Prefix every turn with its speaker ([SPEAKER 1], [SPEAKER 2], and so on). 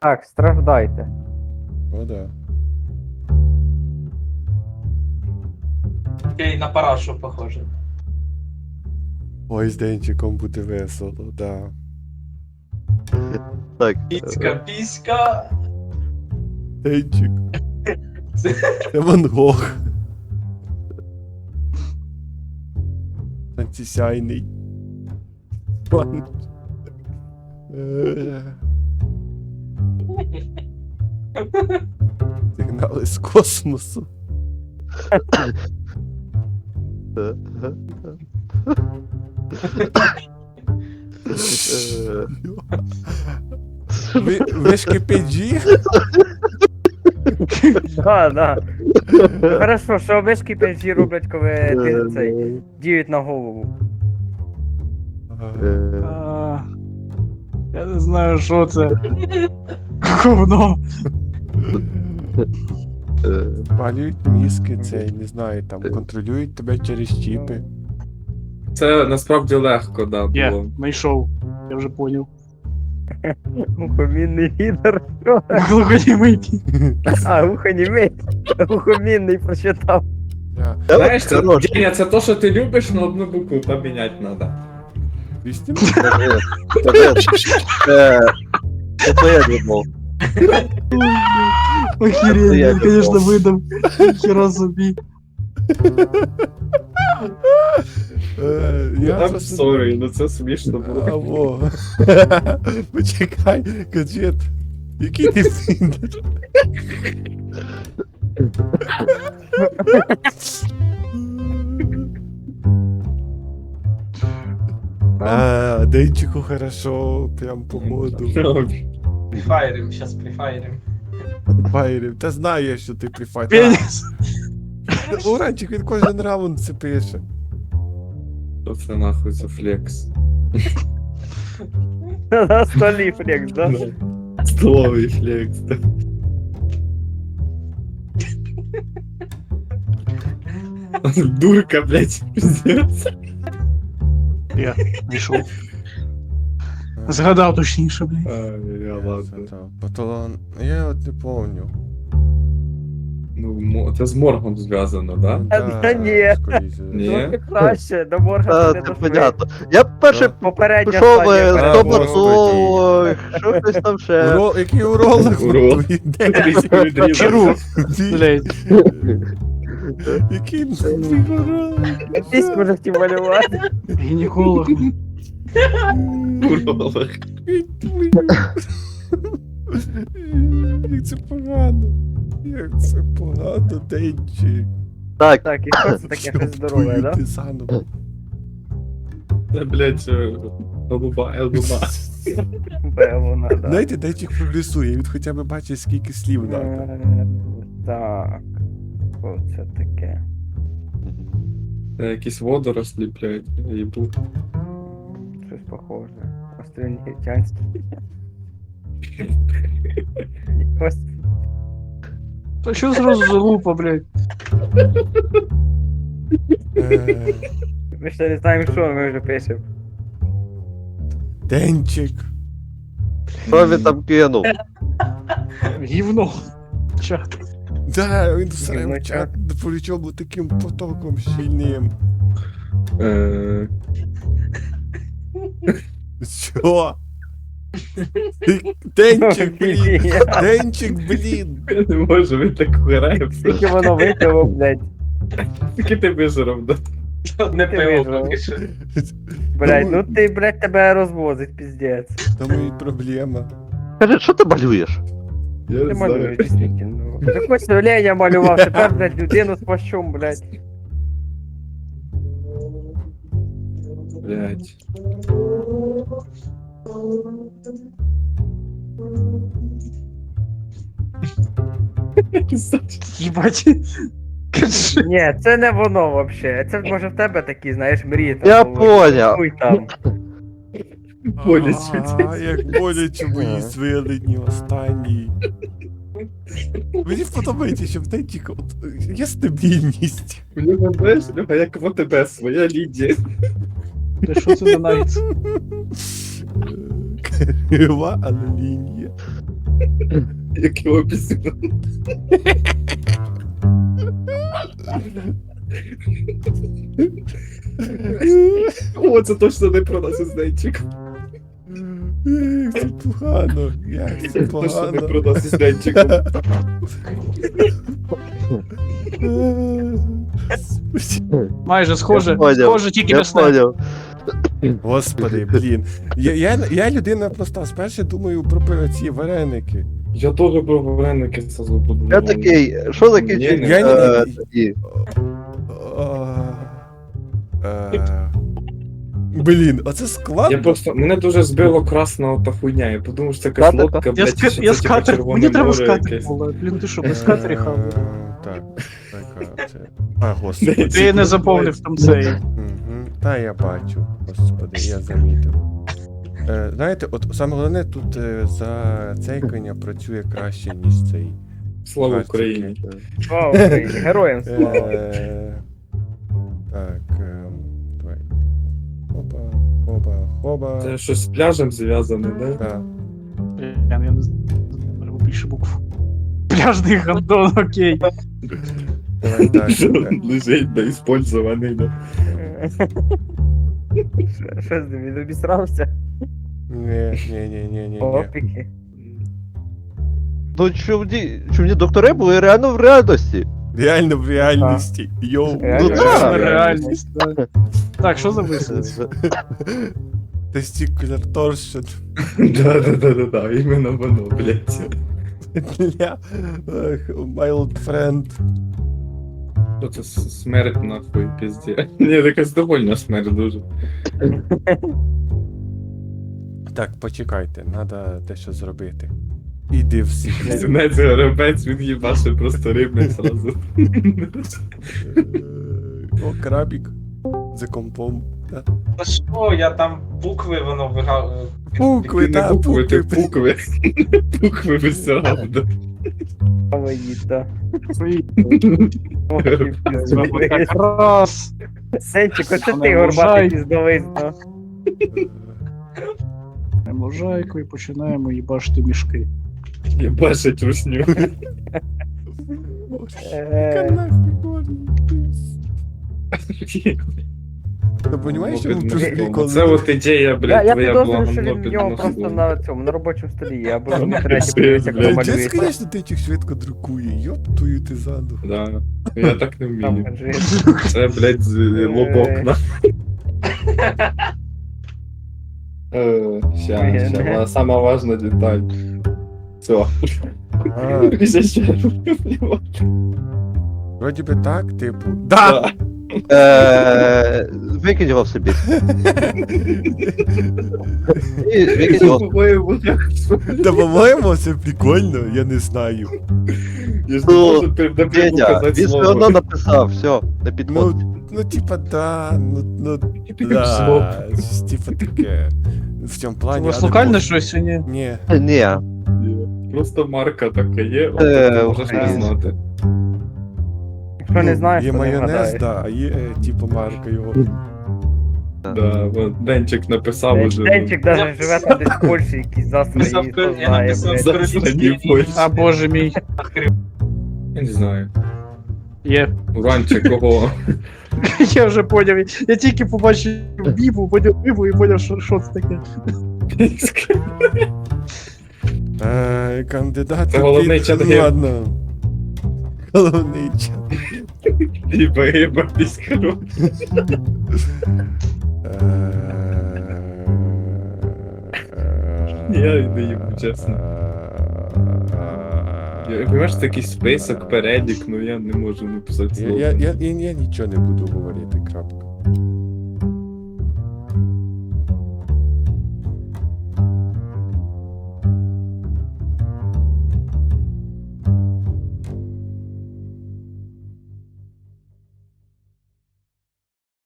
[SPEAKER 1] Так, страждайте.
[SPEAKER 2] О, да.
[SPEAKER 3] Окей, на парашу похоже.
[SPEAKER 2] Ой, з Денчиком буде весело, да.
[SPEAKER 4] Так.
[SPEAKER 3] Піська.
[SPEAKER 2] Денчик. Це Ван Гог. Антисяйний. Ван. Сигнали з космосу. Ви ж кипіджі?
[SPEAKER 1] Да. Хорошо, що вишки пенсії роблять, коли ти цей діють на голову.
[SPEAKER 5] Я не знаю, що це. Говно.
[SPEAKER 2] Палюють мізки, цей, не знаю, там, контролюють тебе через чіпи.
[SPEAKER 6] Це насправді легко, да,
[SPEAKER 5] Я
[SPEAKER 6] було.
[SPEAKER 5] знайшов. Я вже поняв.
[SPEAKER 1] Ухомінний лідер. Що?
[SPEAKER 5] Глухонімий.
[SPEAKER 1] Ухонімий. Ухомінний прочитав.
[SPEAKER 6] Знаєш, це,
[SPEAKER 4] Хорош.
[SPEAKER 6] Деня, це то, що ти любиш, но одну букву поміняти треба.
[SPEAKER 2] Вісім?
[SPEAKER 4] Це твоя любов.
[SPEAKER 5] Охеренно,
[SPEAKER 4] Я
[SPEAKER 5] він, конечно,
[SPEAKER 4] любов.
[SPEAKER 5] видав. Хера собі.
[SPEAKER 2] Я
[SPEAKER 6] I'm
[SPEAKER 2] просто...
[SPEAKER 6] sorry, ну це смішно було.
[SPEAKER 2] Аво. Почекай, гаджет. Який ти фіндер? Денчику хорошо, прям по моду.
[SPEAKER 3] Прифайрим, щас прифайрим.
[SPEAKER 2] Файрів. Та знаю я, що ти прифайрив.
[SPEAKER 5] Пеніс.
[SPEAKER 2] Уранчик, він кожен раунд це пише.
[SPEAKER 6] Що це нахуй за флекс?
[SPEAKER 1] На столі флекс, да?
[SPEAKER 6] Столовий флекс, да. Дурка, блядь, пиздец.
[SPEAKER 5] Я знайшов. Згадав точніше, блядь.
[SPEAKER 6] Я ладно.
[SPEAKER 2] Паталон. Я от не помню.
[SPEAKER 6] Ну, це з моргом зв'язано, да?
[SPEAKER 1] Та ні.
[SPEAKER 2] скоріше.
[SPEAKER 6] Ні.
[SPEAKER 1] Трохи краще, до морга
[SPEAKER 4] Та,
[SPEAKER 1] не
[SPEAKER 4] це
[SPEAKER 1] дошли.
[SPEAKER 4] понятно. Я перший
[SPEAKER 1] Попередня
[SPEAKER 4] пішов
[SPEAKER 1] стадія.
[SPEAKER 2] А,
[SPEAKER 4] стоматолог, що хтось там ще.
[SPEAKER 2] Який уролог?
[SPEAKER 6] Уролог.
[SPEAKER 5] Хірург, блядь.
[SPEAKER 2] Який уролог?
[SPEAKER 1] Піську вже хотів малювати.
[SPEAKER 5] Гінеколог.
[SPEAKER 6] Уролог.
[SPEAKER 2] Як це погано. Як це погано, Денчик.
[SPEAKER 4] Так,
[SPEAKER 1] Так, і що це таке щось здорове, да?
[SPEAKER 2] Ти заново.
[SPEAKER 6] Це, блядь, елбуба.
[SPEAKER 1] Вона, да.
[SPEAKER 2] Знаєте, Денчик прогресує, він хоча б бачить, скільки слів надо.
[SPEAKER 1] Так. Що це таке?
[SPEAKER 6] Це якісь водорослі, блядь, я їбу.
[SPEAKER 1] Щось похоже. Острівнігітянське. Ось.
[SPEAKER 5] Та що зразу за лупа, блядь?
[SPEAKER 1] Ми ще не знаємо, що ми вже пишемо.
[SPEAKER 2] Денчик.
[SPEAKER 4] що він там кинув?
[SPEAKER 5] Гівно. Чат.
[SPEAKER 2] Да, він всрав
[SPEAKER 1] Гімночак.
[SPEAKER 2] чат, причому таким потоком щільним. Що? Денчик, блін! Денчик, блін!
[SPEAKER 6] Я не можу, він так грає.
[SPEAKER 1] Скільки воно випило, блядь.
[SPEAKER 6] Скільки ти вижрав, да?
[SPEAKER 3] Одне
[SPEAKER 1] Ти
[SPEAKER 3] пиво
[SPEAKER 1] вижрав.
[SPEAKER 3] поки що.
[SPEAKER 1] Блядь, ну ти, блядь, тебе розвозить, піздець.
[SPEAKER 2] Тому і проблема.
[SPEAKER 4] Каже, що ти малюєш?
[SPEAKER 6] Я
[SPEAKER 1] Ти
[SPEAKER 6] не
[SPEAKER 1] малюєш,
[SPEAKER 6] знаю.
[SPEAKER 1] дійсно. Ти хоч Леня малював, тепер, блядь, людину з плащом, блядь.
[SPEAKER 6] Блядь.
[SPEAKER 5] Їбать. Кажи.
[SPEAKER 1] Ні, це не воно вообще. Це може в тебе такі, знаєш, мрії. там
[SPEAKER 4] Я
[SPEAKER 1] були.
[SPEAKER 4] поняв.
[SPEAKER 1] Хуй там.
[SPEAKER 6] Боляче.
[SPEAKER 2] Як боляче мої свилені останні. Мені подобається, що в Денчика от є стабільність.
[SPEAKER 6] У нього, знаєш, у нього як в ОТБ своя Лідія.
[SPEAKER 5] Та що це за навіть?
[SPEAKER 2] Крива, але лінія.
[SPEAKER 6] Як його пісня. О, це точно не про нас із Денчиком.
[SPEAKER 2] Як це погано, як це
[SPEAKER 6] Точно не
[SPEAKER 2] погано.
[SPEAKER 6] про нас із Денчиком.
[SPEAKER 5] Майже схоже,
[SPEAKER 4] Я поняв,
[SPEAKER 5] схоже, тільки
[SPEAKER 4] Я
[SPEAKER 5] м'ясне.
[SPEAKER 4] поняв.
[SPEAKER 2] Господи, блін. Я людина проста, спершу думаю про ці вареники.
[SPEAKER 6] Я теж про вареники сразу подумав.
[SPEAKER 4] Я такий, що таке
[SPEAKER 6] Ні,
[SPEAKER 4] ці,
[SPEAKER 6] ні.
[SPEAKER 2] Я Блін, оце складно.
[SPEAKER 6] Я просто, мене дуже збило красна ота хуйня, я подумав, що це якась
[SPEAKER 4] Катика?
[SPEAKER 6] лодка,
[SPEAKER 5] Я,
[SPEAKER 6] блядь,
[SPEAKER 5] ска...
[SPEAKER 6] що
[SPEAKER 5] я
[SPEAKER 6] це типа
[SPEAKER 5] скатер,
[SPEAKER 6] червоне
[SPEAKER 5] мені треба
[SPEAKER 6] море
[SPEAKER 5] скатер
[SPEAKER 6] якесь.
[SPEAKER 5] було. Блін, ти що, без скатері хав?
[SPEAKER 2] Так, така це. А, господи.
[SPEAKER 5] Ти не заповнив там цей.
[SPEAKER 2] Мгм. Та я бачу, господи, я замітив. Знаєте, от саме головне тут за цейкання працює краще, ніж цей.
[SPEAKER 6] Слава
[SPEAKER 2] Бачите,
[SPEAKER 6] Україні.
[SPEAKER 1] Слава Україні, героям слава.
[SPEAKER 2] Так, давай. Хоба, хоба, хоба.
[SPEAKER 6] Це щось з пляжем зв'язане, да?
[SPEAKER 2] Так.
[SPEAKER 5] Я не знаю, треба більше букв. Пляжний гандон, окей.
[SPEAKER 2] Давай так.
[SPEAKER 6] Лежить неіспользований, да.
[SPEAKER 1] Що з ним, він обісрався?
[SPEAKER 2] Ні.
[SPEAKER 1] Опіки.
[SPEAKER 4] Ну чому доктори були реально в реальності?
[SPEAKER 2] Реально в реальності. Йоу.
[SPEAKER 1] Реально
[SPEAKER 4] Ну
[SPEAKER 1] в
[SPEAKER 4] да.
[SPEAKER 5] Реальність, да. Так, що за висадці?
[SPEAKER 2] Testicular torsion.
[SPEAKER 6] Да, іменно воно, блядь.
[SPEAKER 2] Для mild friend.
[SPEAKER 6] Що це смерть нахуй, пізді. Ні, якась довольна смерть дуже.
[SPEAKER 2] Так, почекайте, треба дещо зробити. Іди всіх.
[SPEAKER 6] Свинець горобець, він їбаше просто рибник сразу.
[SPEAKER 2] О, крабік. За компом. Да.
[SPEAKER 3] Та що, я там букви воно вигав.
[SPEAKER 2] Букви,
[SPEAKER 6] Ти не
[SPEAKER 2] та,
[SPEAKER 6] букви, ти
[SPEAKER 2] букви.
[SPEAKER 6] букви. Букви висягав.
[SPEAKER 1] Авоїда.
[SPEAKER 5] Раз.
[SPEAKER 1] Сенчик, оце
[SPEAKER 5] Вона
[SPEAKER 1] ти горбатий
[SPEAKER 5] вважає.
[SPEAKER 1] піздовисно.
[SPEAKER 5] Можайку і починаємо їбашити мішки.
[SPEAKER 6] Їбашить русню.
[SPEAKER 2] Ти розумієш, що він дуже прикольний?
[SPEAKER 6] Це от ідея, блядь,
[SPEAKER 1] Я
[SPEAKER 6] твоя
[SPEAKER 1] підозрюю,
[SPEAKER 6] була
[SPEAKER 1] що він
[SPEAKER 6] гамно
[SPEAKER 1] в нього
[SPEAKER 6] під
[SPEAKER 1] просто
[SPEAKER 6] носом.
[SPEAKER 1] на цьому, на робочому столі, або в інтернеті
[SPEAKER 6] Пиздец,
[SPEAKER 1] подивився, як воно
[SPEAKER 6] блядь.
[SPEAKER 2] Дід,
[SPEAKER 1] малюється.
[SPEAKER 2] звісно, ти тих швидко друкує. Йоп твою ти заду.
[SPEAKER 6] Да. Я так не
[SPEAKER 1] Там,
[SPEAKER 6] вмію.
[SPEAKER 1] кажи.
[SPEAKER 6] Це, блядь, лобок на. Ща, сама важна деталь. Все.
[SPEAKER 2] Вроді би так, типу. Да!
[SPEAKER 4] Викинь його в собі. І викинь його.
[SPEAKER 2] Та по-моєму, це прикольно, я не знаю.
[SPEAKER 6] Я ж не
[SPEAKER 4] Ну,
[SPEAKER 6] можу напряму
[SPEAKER 4] Федя,
[SPEAKER 6] казати
[SPEAKER 4] він все одно
[SPEAKER 6] слово.
[SPEAKER 4] написав, все, на підпот.
[SPEAKER 2] Ну, типа, да, ну,
[SPEAKER 6] Таке слово.
[SPEAKER 2] да, щось типа таке. В цьому
[SPEAKER 5] У
[SPEAKER 2] плані.
[SPEAKER 5] вас
[SPEAKER 2] але
[SPEAKER 5] локальне
[SPEAKER 2] може-
[SPEAKER 5] щось чи ні?
[SPEAKER 2] Ні.
[SPEAKER 4] Ні.
[SPEAKER 6] Просто марка така є, от
[SPEAKER 4] Е,
[SPEAKER 6] ти можеш не
[SPEAKER 1] Україна.
[SPEAKER 6] знати.
[SPEAKER 1] Якщо не знаєш,
[SPEAKER 2] Є
[SPEAKER 1] то не
[SPEAKER 2] майонез,
[SPEAKER 1] вгадаєш.
[SPEAKER 2] да, а є, типу, марка його.
[SPEAKER 6] Да, от Денчик написав уже.
[SPEAKER 1] Денчик даже живе там десь в Польщі, якийсь засраний, і хто
[SPEAKER 3] Я
[SPEAKER 1] знає,
[SPEAKER 3] написав
[SPEAKER 1] блядь.
[SPEAKER 6] Засрані Польщі.
[SPEAKER 5] А боже мій.
[SPEAKER 6] Я не знаю.
[SPEAKER 5] Є.
[SPEAKER 6] Уранчик кого?
[SPEAKER 5] Я вже поняв. Я тільки побачив бібу, поняв бібу і поняв, що це таке.
[SPEAKER 2] Кандидат.
[SPEAKER 6] Це головний
[SPEAKER 2] під-
[SPEAKER 6] чат гейм.
[SPEAKER 2] Ладно. Головний чат.
[SPEAKER 6] Іба, піскару. Я не їбу, чесно. Я розумію, це якийсь список, перелік, ну я не можу написати слово.
[SPEAKER 2] Я нічого не буду говорити, крапка.